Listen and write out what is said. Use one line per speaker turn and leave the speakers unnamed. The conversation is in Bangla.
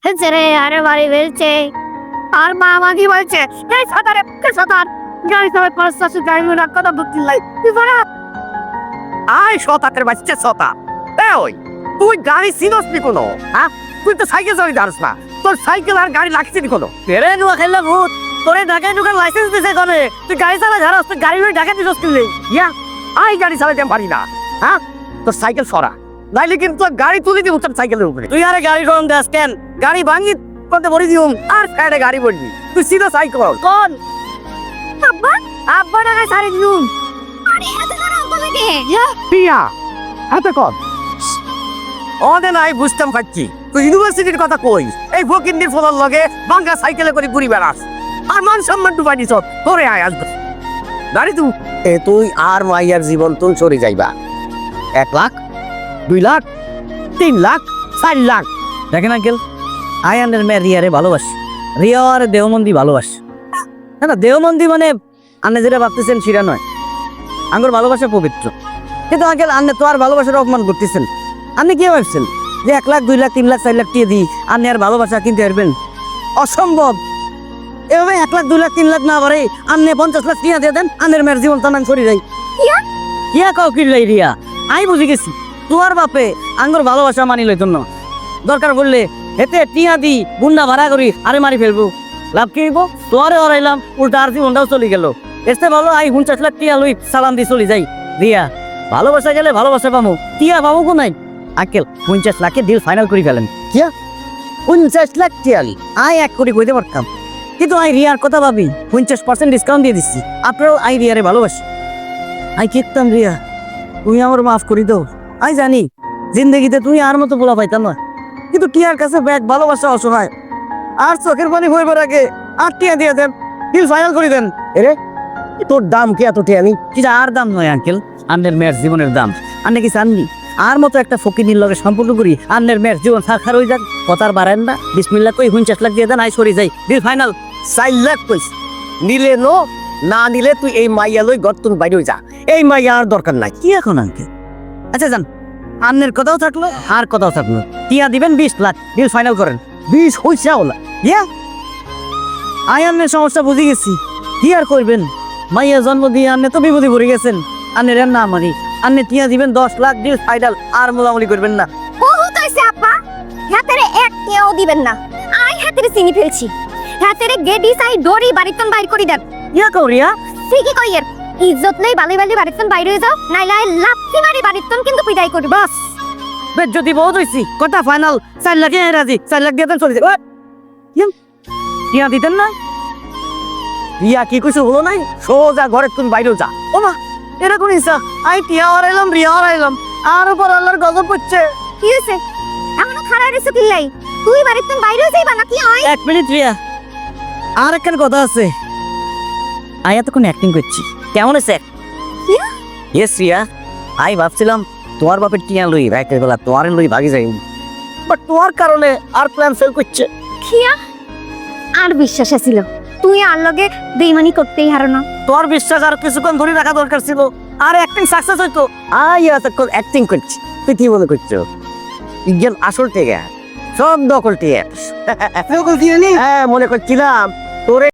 ছেড়ে আরে বাড়ি ফেলছে। আর মা আমাকে বলছে এই সাঁতারে সাঁতার গাড়ি চালায় ৫-৬০ গাড়ি না কথা বুঝতে লাই তুই ভাড়া
আয় শতাকের বাচ্চা শতা ওই তুই গাড়ি চিনস নি কোনো হ্যাঁ তুই তো সাইকেল চালাতে জানিস না তোর সাইকেল আর গাড়ি লাগছে নি কোনো
তেরে নুয়া খেললে ভূত তোরে ঢাকায় ঢুকার লাইসেন্স দিছে কনে তুই গাড়ি চালা ঝাড়াস তুই গাড়ি লই ঢাকা দিছস কিনলে
ইয়া আয় গাড়ি চালাতে আমি পারি না হ্যাঁ তোর সাইকেল সরা নাইলে কিন্তু তোর গাড়ি তুলে দিব তোর সাইকেলের উপরে
তুই আরে গাড়ি কোন দাস কেন
গাড়ি ভাঙি করতে ভরি দিউম আর সাইডে গাড়ি পড়বি তুই সিধা সাইকেল
কোন
আব্বা আব্বা টাকা সারি দিলুম আরে এত করে আব্বা লাগে
পিয়া হাতে কর ওদের নাই বুঝতাম পাচ্ছি তুই ইউনিভার্সিটির কথা কই এই ফকিন্দির ফলার লগে বাঙ্গা সাইকেলে করে ঘুরি বেড়াস আর মান সম্মান ডুবাই দিছ তোরে আয় আসবে গাড়ি তুই আর মাইয়ার জীবন তুল চলে যাইবা 1 লাখ 2 লাখ 3 লাখ 4 লাখ
দেখেন আঙ্কেল আয়ানের মেয়ে রিয়ারে ভালোবাসি রিয়া আর দেওমন্দি ভালোবাসি না দেওমন্দি মানে আপনি যেটা ভাবতেছেন সেটা নয় আঙ্গুর ভালোবাসা পবিত্র কিন্তু আঙ্কেল আপনি তো আর ভালোবাসার অপমান করতেছেন আপনি কি ভাবছেন যে 1 লাখ 2 লাখ 3 লাখ 4 লাখ টিয়ে দিই আপনি আর ভালোবাসা কিনতে পারবেন অসম্ভব এভাবে 1 লাখ 2 লাখ 3 লাখ না পারে আপনি 50 লাখ টিয়া দিয়ে দেন আনের মেয়ের জীবন তামান সরি যাই কিয়া কাউ কিনলাই রিয়া আমি বুঝে গেছি তোর বাপে আঙ্গুর ভালোবাসা মানি লইতো না দরকার পড়লে হেতে টিয়া দি গুন্ডা ভাড়া করি আরে মারি ফেলবো লাভ কি হইব তোরে হরাইলাম উল্টা আর জীবনটাও চলে গেল এসে ভালো আই 50 লাখ টিয়া লই সালাম দি চলে যাই রিয়া ভালোবাসা গেলে ভালোবাসা পামু টিয়া পাবো কো নাই আঙ্কেল 50 লাখে ডিল ফাইনাল করে ফেলেন কিয়া 50 লাখ টিয়ালি আই 1 কোটি কইতে পারতাম কিন্তু আই রিয়ার কথা ভাবি 50% ডিসকাউন্ট দিয়ে দিচ্ছি আপনারাও আই রিয়ারে ভালোবাসি আই কিতাম রিয়া তুমি আমার মাফ করে দাও আই জানি জিন্দগিতে তুমি আর মতো বলা পাইতাম না কিন্তু টিয়ার কাছে ব্যাগ ভালোবাসা অসহায় আর চোখের পানি হইবার আগে আর টিয়া দিয়ে দেন ডিল ফাইনাল করে দেন
এরে তোর দাম কি এত টিয়া আমি
এটা আর দাম নয় আঙ্কেল আন্নের মেয়ের জীবনের দাম আন্নে কি চাননি আর মতো একটা ফকিনির লগে সম্পর্ক করি আন্নের মেয়ের জীবন সাক্ষার হয়ে যাক কথার বাড়েন না বিসমিল্লাহ কই 50 লাখ দিয়ে দেন আই সরি যাই ডিল ফাইনাল
4 লাখ কইস নিলে নো না নিলে তুই এই মাইয়া লই গর্তুন বাইরে যা এই মাইয়া আর দরকার নাই
কি এখন আঙ্কেল আচ্ছা যান আন্নের কথাও থাকলো আর কথাও থাকলো টিয়া দিবেন 20 লাখ ডিল ফাইনাল করেন
20 হইছে ওলা
ইয়া আই আন্নের সমস্যা বুঝে গেছি কি আর করবেন মাইয়া জন্ম দিয়ে আন্নে তো বিপদে পড়ে গেছেন আন্নের না মারি আন্নে টিয়া দিবেন 10 লাখ ডিল ফাইনাল আর মোলামুলি করবেন না
বহুত হইছে আব্বা হাতেরে এক কেও দিবেন না আই হাতেরে চিনি ফেলছি হাতেরে গেডি সাই ডরি বাড়িতন বাইর করি দেন
ইয়া করিয়া
ঠিকই কইয়ের ইজ্জত নেই বালি বালি বাড়িতন বাইরে হয়ে যাও নাইলে লাপসি মারি বাড়িতন কিন্তু বিদায় করি বাস
বেশ যদি বহুত হইছি কথা ফাইনাল 4 লাখে রাজি 4 লাখ দিয়ে দেন চলে যাবে টিয়া দিতেন না
রিয়া কি কইছ হলো নাই সোজা ঘরে তুই বাইরে যা
ও মা এরকম ইচ্ছা আই টিয়া হারাইলাম রিয়া হারাইলাম আর উপর আল্লাহর গজব পড়ছে
কি হইছে এমন খারাপ রেছে কিল্লাই তুই বাড়িতন বাইরে হয়ে যাইবা নাকি হয়
1 মিনিট রিয়া আর একটা কথা আছে আই এতক্ষণ অ্যাক্টিং করছি কেমন আছে ইয়েস রিয়া আই ভাবছিলাম তোমার বাপের টিয়া লই রাইতের বেলা তোমার লই ভাগি যাই বাট তোমার কারণে আর প্ল্যান ফেল করছে
খিয়া আর বিশ্বাস ছিল তুই আর লগে বেইমানি করতেই হারো না
তোমার বিশ্বাস আর কিছুক্ষণ ধরে রাখা দরকার ছিল আর অ্যাক্টিং সাকসেস হইতো
আই এতক্ষণ অ্যাক্টিং করছি তুই কি মনে করছো ইজ্ঞান আসল টেকে সব দখল টিয়া হ্যাঁ মনে করছিলাম তোরে